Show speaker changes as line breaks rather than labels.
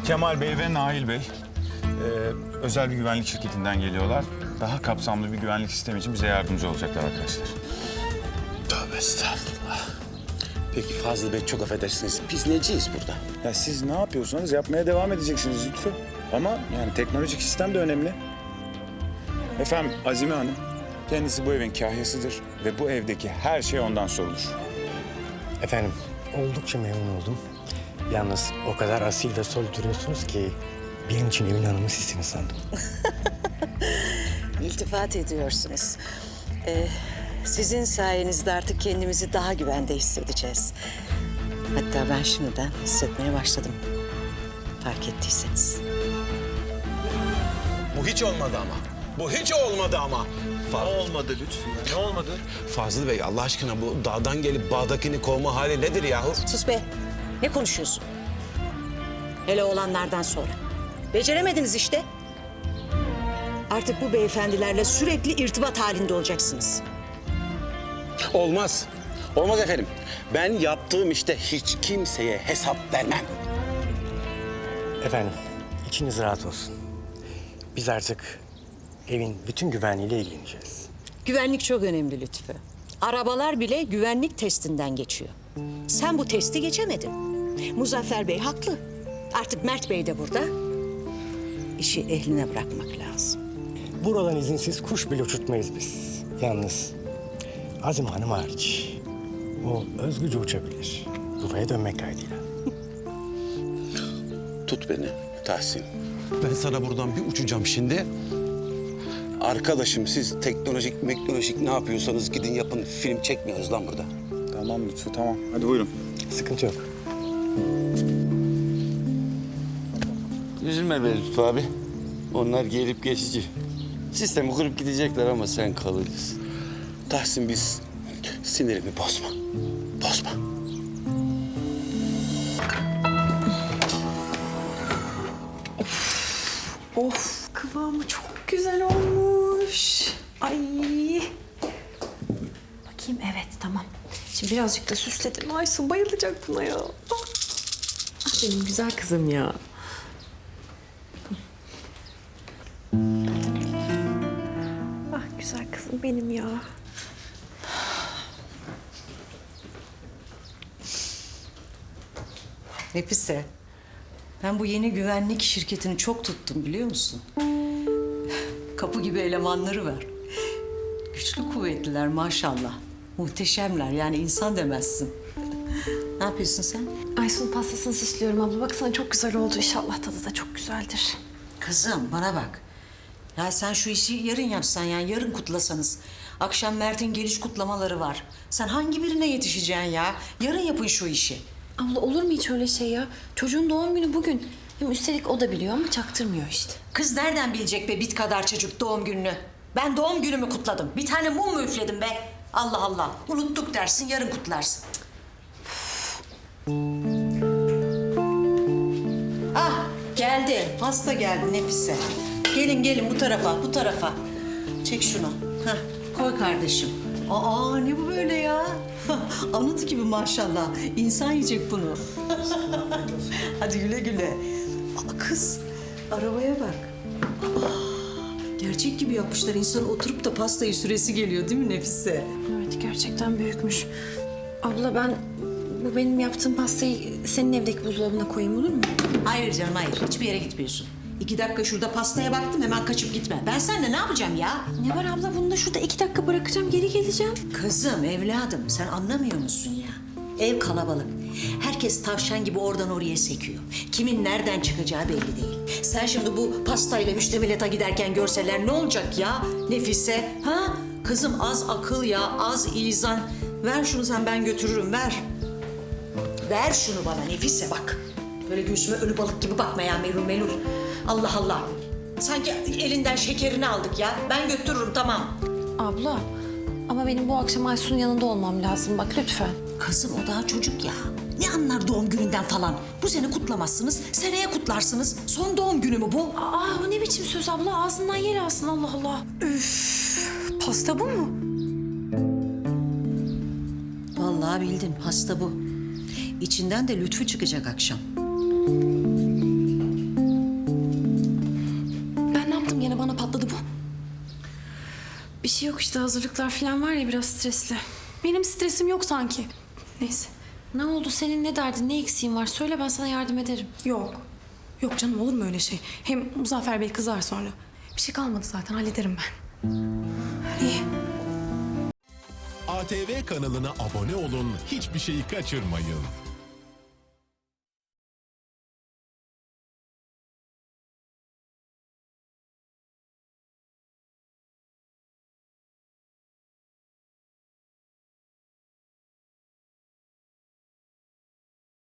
Kemal Bey ve Nail Bey özel bir güvenlik şirketinden geliyorlar. Daha kapsamlı bir güvenlik sistemi için bize yardımcı olacaklar arkadaşlar.
Tövbe estağfurullah. Peki Fazıl Bey, çok affedersiniz. Biz neciyiz burada?
Ya siz ne yapıyorsanız yapmaya devam edeceksiniz Lütfü. Ama yani teknolojik sistem de önemli. Efendim Azime Hanım, kendisi bu evin kahyasıdır ve bu evdeki her şey ondan sorulur.
Efendim, oldukça memnun oldum. Yalnız o kadar asil ve sol duruyorsunuz ki benim için evin hanımı sizsiniz sandım.
İltifat ediyorsunuz. Sizin sayenizde artık kendimizi daha güvende hissedeceğiz. Hatta ben şimdiden hissetmeye başladım. Fark ettiyseniz.
Bu hiç olmadı ama. Bu hiç olmadı ama.
Olmadı lütfen. Ne olmadı?
Fazıl Bey, Allah aşkına bu dağdan gelip bağdakini kovma hali nedir yahu?
Sus be. Ne konuşuyorsun? Hele olanlardan sonra. Beceremediniz işte. Artık bu beyefendilerle sürekli irtibat halinde olacaksınız.
Olmaz. Olmaz efendim. Ben yaptığım işte hiç kimseye hesap vermem.
Efendim, içiniz rahat olsun. Biz artık evin bütün güvenliğiyle ilgileneceğiz.
Güvenlik çok önemli Lütfü. Arabalar bile güvenlik testinden geçiyor. Sen bu testi geçemedin. Muzaffer Bey haklı. Artık Mert Bey de burada. İşi ehline bırakmak lazım.
Buradan izinsiz kuş bile uçurtmayız biz. Yalnız Azim Hanım hariç. O özgürce uçabilir. Yuvaya dönmek kaydıyla.
Tut beni Tahsin. Ben sana buradan bir uçacağım şimdi. Arkadaşım, siz teknolojik ne yapıyorsanız gidin yapın. Film çekmiyoruz lan burada.
Tamam Lütfü, tamam. Hadi buyurun.
Sıkıntı yok.
Üzülme be Lütfü abi. Onlar gelip geçici. Sistemi kurup gidecekler ama sen kalırsın.
Tahsin, biz sinirimi bozma. Bozma.
Of, kıvamı çok güzel olmuş. Ay. Bakayım, evet tamam. Şimdi birazcık da süsledim. Aysun bayılacak buna ya. Ah, benim güzel kızım ya. Ah, güzel kızım benim ya.
Nefise, ben bu yeni güvenlik şirketini çok tuttum biliyor musun? Kapı gibi elemanları var. Güçlü kuvvetliler maşallah. Muhteşemler, yani insan demezsin. Ne yapıyorsun sen?
Aysun pastasını süslüyorum abla. Baksana çok güzel oldu. İnşallah tadı da çok güzeldir.
Kızım bana bak. Ya sen şu işi yarın yapsan, yani yarın kutlasanız. Akşam Mert'in geliş kutlamaları var. Sen hangi birine yetişeceksin ya? Yarın yapın şu işi.
Abla olur mu hiç öyle şey ya? Çocuğun doğum günü bugün. Hem üstelik o da biliyor ama çaktırmıyor işte.
Kız nereden bilecek be bit kadar çocuk doğum gününü? Ben doğum günümü kutladım. Bir tane mum mu üfledim be? Allah Allah. Unuttuk dersin, yarın kutlarsın. Ah geldi. Hasta geldi Nefise. Gelin gelin bu tarafa, bu tarafa. Çek şunu. Hah, koy kardeşim. Aa ne bu böyle ya? Anıt gibi maşallah. İnsan yiyecek bunu. Hadi güle güle. Aa, kız arabaya bak. Gerçek gibi yapmışlar. İnsan oturup da pastayı süresi geliyor değil mi Nefise?
Evet gerçekten büyükmüş. Abla ben bu benim yaptığım pastayı senin evdeki buzdolabına koyayım olur mu?
Hayır canım hayır. Hiçbir yere gitmiyorsun. 2 dakika şurada pastaya baktım hemen kaçıp gitme. Ben seninle ne yapacağım ya?
Ne var abla bunu da şurada 2 dakika bırakacağım geri geleceğim.
Kızım, evladım sen anlamıyor musun ya? Ev kalabalık. Herkes tavşan gibi oradan oraya sekiyor. Kimin nereden çıkacağı belli değil. Sen şimdi bu pastayla müştemilata giderken görseler ne olacak ya Nefise? Ha? Kızım az akıl ya, az izan. Ver şunu sen, ben götürürüm, ver. Ver şunu bana Nefise bak. Böyle göğsüme ölü balık gibi bakma ya melul melul. Allah Allah. Sanki elinden şekerini aldık ya. Ben götürürüm tamam.
Abla ama benim bu akşam Aysun'un yanında olmam lazım bak lütfen.
Kızım o daha çocuk ya. Ne anlar doğum gününden falan? Bu sene kutlamazsınız, seneye kutlarsınız. Son doğum günü mü bu?
Aa o ne biçim söz abla ağzından yer alsın Allah Allah. Üf, pasta bu mu?
Vallahi bildin, pasta bu. İçinden de Lütfü çıkacak akşam.
Bir şey yok işte, hazırlıklar falan var ya, biraz stresli.
Benim stresim yok sanki. Neyse.
Ne oldu senin, ne derdin, ne eksiğin var? Söyle, ben sana yardım ederim.
Yok. Yok canım, olur mu öyle şey? Hem Muzaffer Bey kızar sonra. Bir şey kalmadı zaten, hallederim ben. İyi.
ATV kanalına abone olun, hiçbir şeyi kaçırmayın.